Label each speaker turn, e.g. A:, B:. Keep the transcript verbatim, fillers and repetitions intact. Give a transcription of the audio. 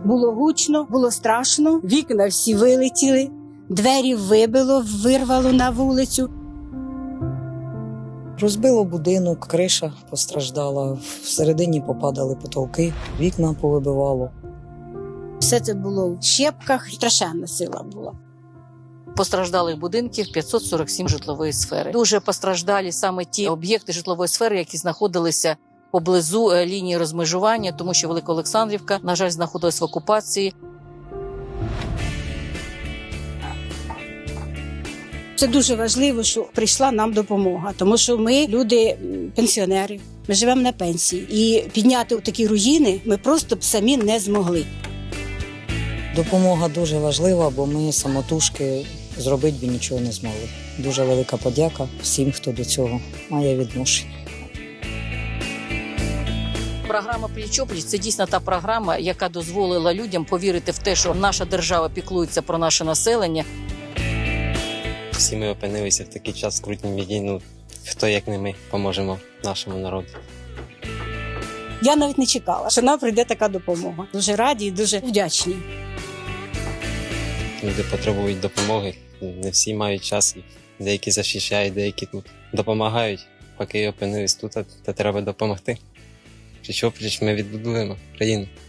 A: Було гучно, було страшно, вікна всі вилетіли, двері вибило, вирвало на вулицю.
B: Розбило будинок, криша постраждала, всередині попадали потолки, вікна повибивало.
A: Все це було в щепках, страшенна сила була.
C: Постраждалих будинків п'ятсот сорок сім житлової сфери. Дуже постраждалі саме ті об'єкти житлової сфери, які знаходилися поблизу лінії розмежування, тому що Великоолександрівка, на жаль, знаходилась в окупації.
A: Це дуже важливо, що прийшла нам допомога, тому що ми люди пенсіонери, ми живемо на пенсії. І підняти такі руїни ми просто б самі не змогли.
B: Допомога дуже важлива, бо ми самотужки зробити б нічого не змогли. Дуже велика подяка всім, хто до цього має відношення.
C: Програма «Пліч-о-пліч» – це дійсно та програма, яка дозволила людям повірити в те, що наша держава піклується про наше населення.
D: Всі ми опинилися в такий час скрутній біді, ну, хто як не ми поможемо нашому народу.
A: Я навіть не чекала, що нам прийде така допомога. Дуже раді і дуже вдячні.
D: Люди потребують допомоги, не всі мають час, деякі захищають, деякі тут допомагають. Поки опинились тут, то треба допомогти. Пліч-о-пліч ми відбудуємо країну.